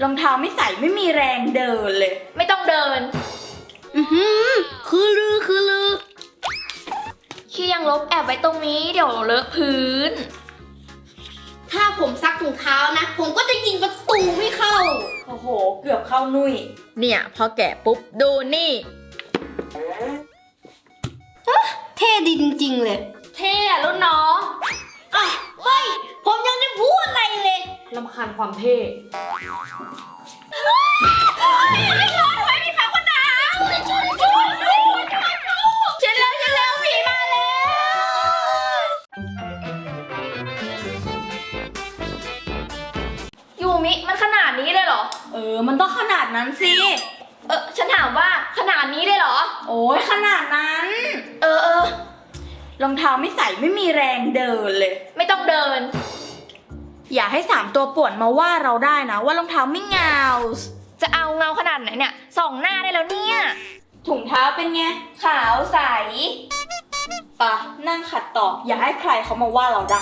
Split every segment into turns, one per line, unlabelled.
รองเท้าไม่ใส่ไม่มีแรงเดินเลย
ไม่ต้องเดินคือลือขี้ยังลบแอบไว้ตรงนี้เดี๋ยวเลอะพื้น
ถ้าผมซักถุงเท้านะ ผมก็จะยิงประตูไม่เข้า
โอ้โหเกือบเข้านุ่ย
เนี่ยพอแกะปุ๊บดูนี่
เท่ดีจริงๆเลย
เท่อะรุ่นน้อง
อ่ะเฮ้ย ผมยังไม่พูดอะไรเลย
รำคาญความเท่ไม่ร้อนไว้มีผ้าขนหนาวช่วยฉันแล้วผีมาแล้วยูมิมันขนาดนี้เลยเหรอ
มันต้องขนาดนั้นสิ
ฉันถามว่าขนาดนี้เลยเหรอ
โอ้ยขนาดนั้น รองเท้าไม่ใส่ไม่มีแรงเดินเลย
ไม่ต้องเดิน
อย่าให้3ตัวป่วนมาว่าเราได้นะว่ารองเท้าไม่เงา
จะเอาเงาขนาดไหนเนี่ยส่องหน้าได้แล้วเนี่ย
ถุงเท้าเป็นไงขาวใสปะนั่งขัดต่ออย่าให้ใครเขามาว่าเราได้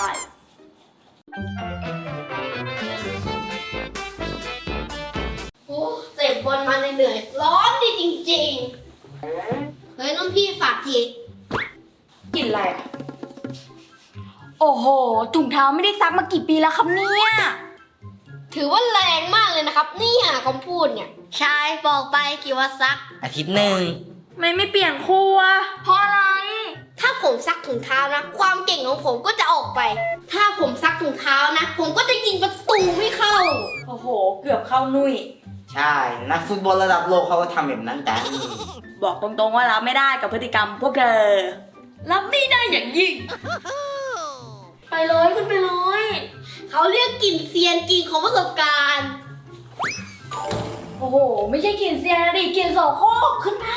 โอ้เตะบอลมาเหนื่อยๆร้อนดีจริงๆ เฮ้ยน้องพี่ฝากที
กินอะไรอะโอ้โหถุงเท้าไม่ได้ซักมากี่ปีแล้วครับเนี่ย
ถือว่าแรงมากเลยนะครับเนี่ยคำพูดเนี่ยชายบอกไปกี่ว่าซัก
อาทิตย์หนึ่ง
ไม่เปลี่ยนคู่อะเพราะอะไร
ถ้าผมซักถุงเท้านะ ความเก่งของผมก็จะออกไป ถ้าผมซักถุงเท้านะ ผมก็จะยิงประตูไม่เข้า
โอ้โหเกือบเข้านุ่ย
ใช่ นักฟุตบอลระดับโลกเขาก็ทำแบบนั้นกัน
บอกตรงๆว่ารับไม่ได้กับพฤติกรรมพวกเธอ รับไม่ได้อย่างยิ่ง ไปเลยขึ้นไปเลย
เขาเรียกกลิ่นเซียนกลิ่นของประสบการณ์
โอ้โหไม่ใช่กลินเซียนะดิกลินโสโครกขึ้นไป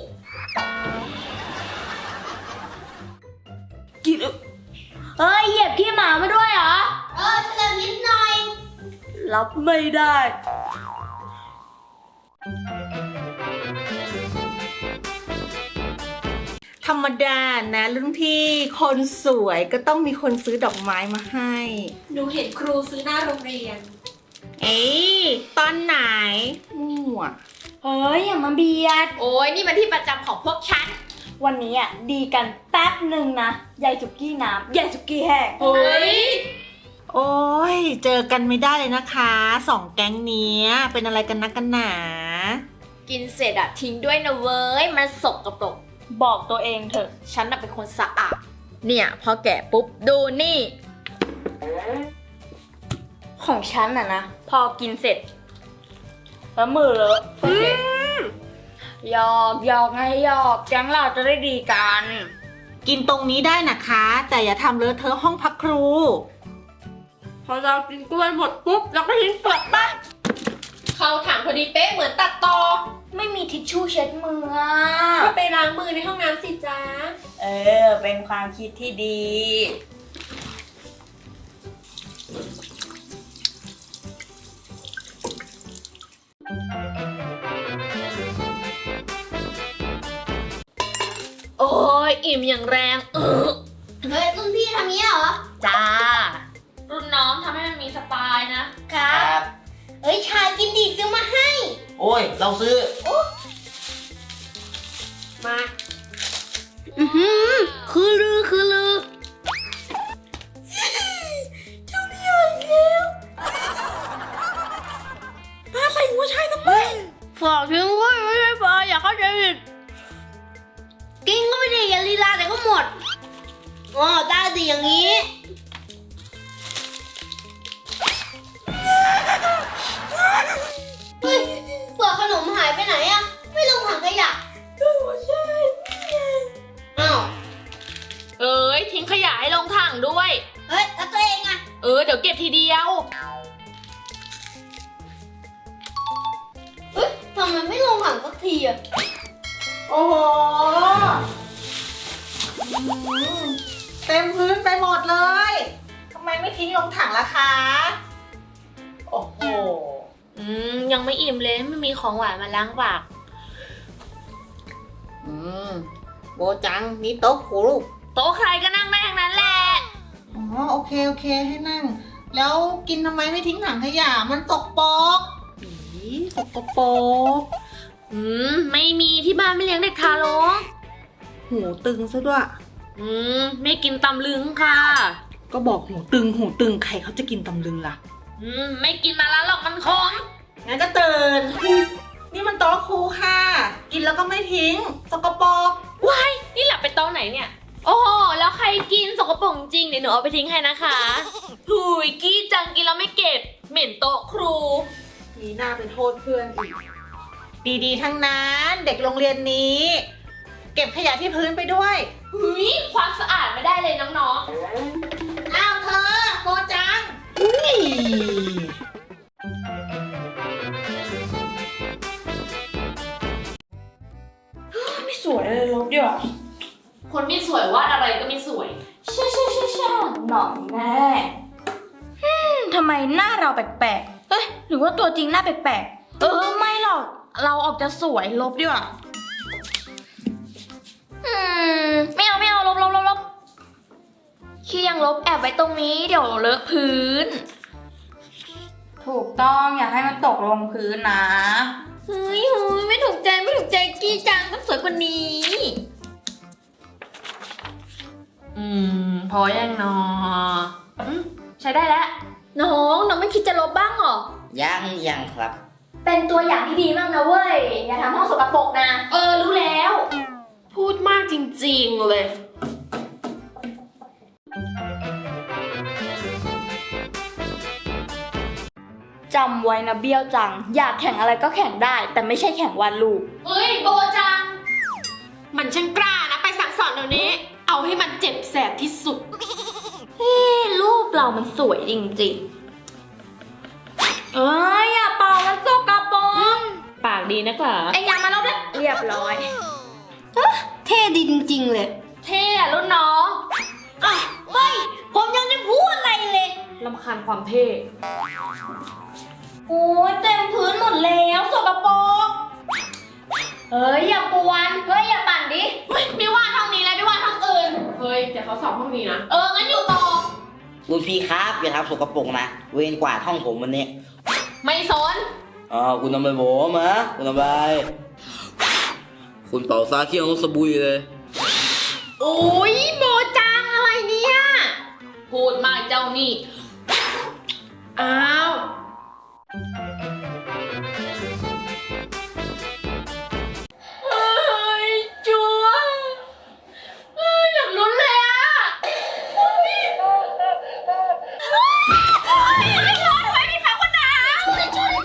กินเฮ้ยเหยียบขี้หมามาด้วยเหรอ
เฉลิมนิดหน่อย
รับไม่ได้
ธรรมดานะรุ่นพี่คนสวยก็ต้องมีคนซื้อดอกไม้มาให้
หนูเห็นครูซื้อหน้าโรงเรียน
เอ้ยตอนไหนมั่ว
เฮ้ยอย่ามาเบียด
โอ้ยนี่มันที่ประจำของพวกฉัน
วันนี้อ่ะดีกันแป๊บหนึ่งนะยายสุกี้น้ำยายสุกี้แห้ง
เฮ้ย
โอ้ยเจอกันไม่ได้เลยนะคะสองแก๊งเนี้ยเป็นอะไรกันนักกันหนา
กินเสร็จอะทิ้งด้วยนะเว้ยมันสกปรก
บอกตัวเองเถอะ
ฉันน่ะเป็นคนสะอาด เนี่ยพอแกะปุ๊บดูนี่
ของฉันอ่ะนะพอกินเสร็จแล้วมือเลอะโอเคหยอกไงหยอกแก๊งเราจะได้ดีกัน
กินตรงนี้ได้นะคะ แต่อย่าทำเลอะเทอะห้องพักครู
พอเรากินกล้วยหมดปุ๊บเราก็ทิ้งเปลือกปั๊บ
เข้าถังพอดีเป๊ะเหมือนตัดต่อ
ไม่มีทิชชู่เช็ดมืออะ
ก็ไปล้างมือในห้องน้ำสิจ้า
เป็นความคิดที่ดี
โอ้ยอิ่มอย่างแรง
เฮ้ยรุ่นพี่ทำนี้เหรอ
จ้า รุ่นน้องทำให้มันมีสไตล์นะ
ครับ เฮ้ยชายกินดีซื้อมาให้
โอ้ย เราซื้อ
มาคือลือฝากทิ้งไว้ไม่ใช่ปลาอย่าเข้าใจผิดกินก็ไม่ดีอย่าลีลาแต่ก็หมดอ๋อได้ดีอย่างนี้เฮ้ยเปลือกขนมหายไปไหนอะไม่ลงถังขยะก็ใช่อ้าว
เอ้ยทิ้งขยะให้ลงถังด้วย
เฮ้ยแล้วตัวเองอะ
เดี๋ยวเก็บทีเดียว
เฮ้ยทำไมไม่ลงถังสักทีอะ
โอ้โหเต็มพื้นไปหมดเลยทำไมไม่ทิ้งลงถังล่ะคะโอ้โห
ยังไม่อิ่มเลยไม่มีของหวานมาล้างปาก
โบจังนี่โต๊ะครู
โต๊ะใครก็นั่งได้ทั้งนั้นแหละ
อ๋อโอเคให้นั่ง แล้วกินทำไมไม่ทิ้งถังขยะมันตกปรกกปรก
ไม่มีที่บ้านไม่เลี้ยงเด็กทารก
หูตึงซะด้วย
ไม่กินตำลึงค่ะ
ก็บอกหูตึงใครเขาจะกินตำลึงล่ะ
ไม่กินมาแล้วหรอกมันขม
งั้นก็ตื่น นี่มันโต๊ะครูค่ะ กินแล้วก็ไม่ทิ้ง สกปรก
นี่หลับไปโต๊ะไหนเนี่ย โอ้โห แล้วใครกินสกปรกจริงเดี๋ยวหนูเอาไปทิ้งให้นะคะหุยกี้จังกินแล้วไม่เก็บ เหม็นโต๊ะครู
มีหน้าไปโทษเพื่อนอีก ดีๆ ทั้งนั้นเด็กโรงเรียนนี้ เก็บขยะที่พื้นไปด้วย
หุยความสะอาดไม่ได้เลยน้อง
อ้าวเธอโกจัง
ไม่สวยเลยลบดีกว่า
ๆ คนไม่สวยวาดอะไรก็ไม่สวย
ใช่หน่อยแน่ทำไมหน้าเราแปลกๆ เอ้ยหรือว่าตัวจริงหน้าแปลกๆ ไม่หรอก เราออกจะสวยลบดีกว่า
ไม่เอาลบขี้ยังลบแอบไว้ตรงนี้เดี๋ยวเลอะพื้น
ถูกต้องอย่าให้มันตกลงพื้นนะ
เฮ้ยไม่ถูกใจกี้จังต้องสวยกว่านี้ พอยังนอใช้ได้แล้ว น้องไม่คิดจะลบบ้างเหรอ
ยังครับ
เป็นตัวอย่างที่ดีมากนะเว้ย อย่าทำห้องสกปรกนะ รู้แล้ว
พูดมากจริงๆเลย
จำไว้นะเบี้ยวจัง อยากแข่งอะไรก็แข่งได้ แต่ไม่ใช่แข่งวาดรูป
เฮ้ยโบจัง
มันช่างกล้านะ ไปสั่งสอนเดี๋ยวนี้ เอาให้มันเจ็บแสบที่สุด
รูปเรามันสวยจริงๆ อย่าเป่ามันสกปรก
ปากดีนักเหรอ
ไอ้ยามาลบเลยเรียบร้อย
เท่ดีจริงๆเลย
เท่อะรุ่นน้อง
ผมยังไม่พูดอะไรเลย
ลำคาญความเท่
โอ้ยเต็มพื้นหมดแล้วสกปรก
เฮ้ยอย่าปวนอย่าปั่นดิไม่ว่าห้องนี้แล้วไม่ว่าห้องอื่น
เฮ้ยเดี๋ยวเขาสอบห้องนี้นะ
งั้นอยู่ต่อ
รุ่นพี่ครับอย่าทำสกปรกนะ เวรกวาดห้องผมวันนี้
ไม่สน
คุณทำไมผมฮะคุณทำไมคุณเป่าซาเคี่ยวรถสบุยเลย
โอ้ยโบจังอะไรเนี่ย พูดมากเจ้านี่
อ้าว
จัวอยากลุ้นเลยอ่ะให้ร้อนไว้พี่ฟ้าคนหนาวช่วย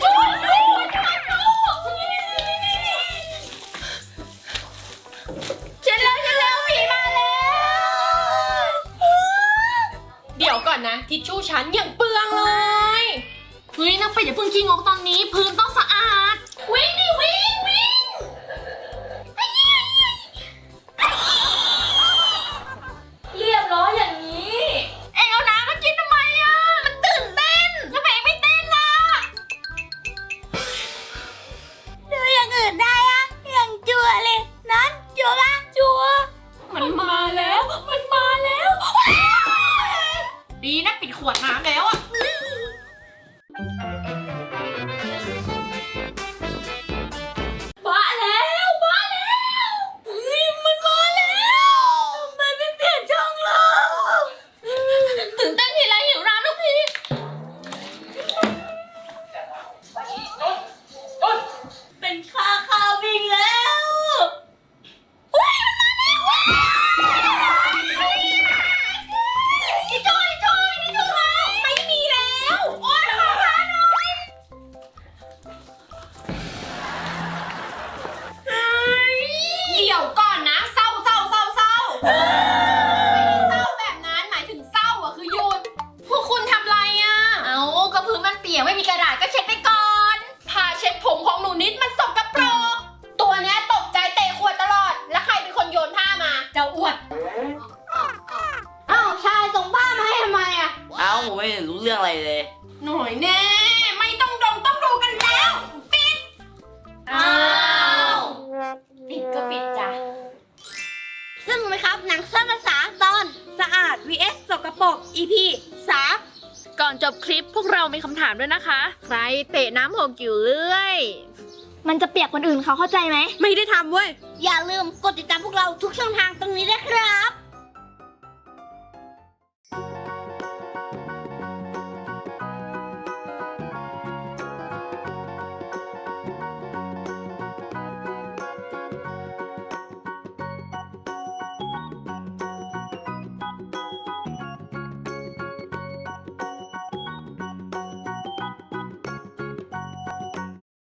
ฉันแล้วผีมาแล้ว
เดี๋ยวก่อนนะ ทิชชู่ฉันยังเปลืองเลย
เฮ้ยนักเป็ดอย่าเพิ่งขี้งกตอนนี้ พื้นต้องสะอาด วิ่งดิวิ่งเรียบร้อยอย่างนี้ เอ็งเอาน้ำมากินทำไมอ่ะ มันตื่นเต้นทำไมไม่เต้นล่ะ
ดูอย่างอื่นได้อะอย่างจัวเลยนั้นจัวปะจัว
มันมาแล้ว ดีนะปิดขวดน้ำแล้วอะ
มาแล้วเฮ้ยมันมาแล้วทำไมไม่เปลี่ยนช่องล่ะตื่นเต้นทีไรหิวน้ำทุกที
เป็นข้าววิ่งแล้ว
ไม่มีแล้ว โอ๊ยขอทานหน่อย
เดี๋ยวก่อนนะ เศร้าไม่ได้เศร้าแบบนั้นหมายถึงเศร้าอะคือหยุด พวกคุณทำไรอะ
เอาก็พื้นมันเปียกไม่มีกระดาษก็เช็ดไปก่อน
ผ้าเช็ดผมของหนูนิดมันสกปรกตัวเนี้ยตกใจเตะขวดตลอด แล้วใครเป็นคนโยนผ้ามา เจ้าอ้วน
อ้าวชายส่งผ้ามาให้ทำไมอ่ะ
ผมไม่เห็นรู้เรื่องอะไรเลย
หน่อยแน่ ไม่ต้องต้องดูกันแล้ว ปิด
อ้าวปิดก็ปิดจ้ะ
สนุกไหมครับ หนังสั้นภาษาตอนสะอาด vs สกปรก EP 3
ก่อนจบคลิปพวกเรามีคำถามด้วยนะคะ
ใครเตะน้ำหกอยู่เรื่อย
มันจะเปียกคนอื่นเขาเข้าใจไหม
ไม่ได้ทำเว้ย
อย่าลืมกดติดตามพวกเราทุกช่องทางตรงนี้ด้วยครับ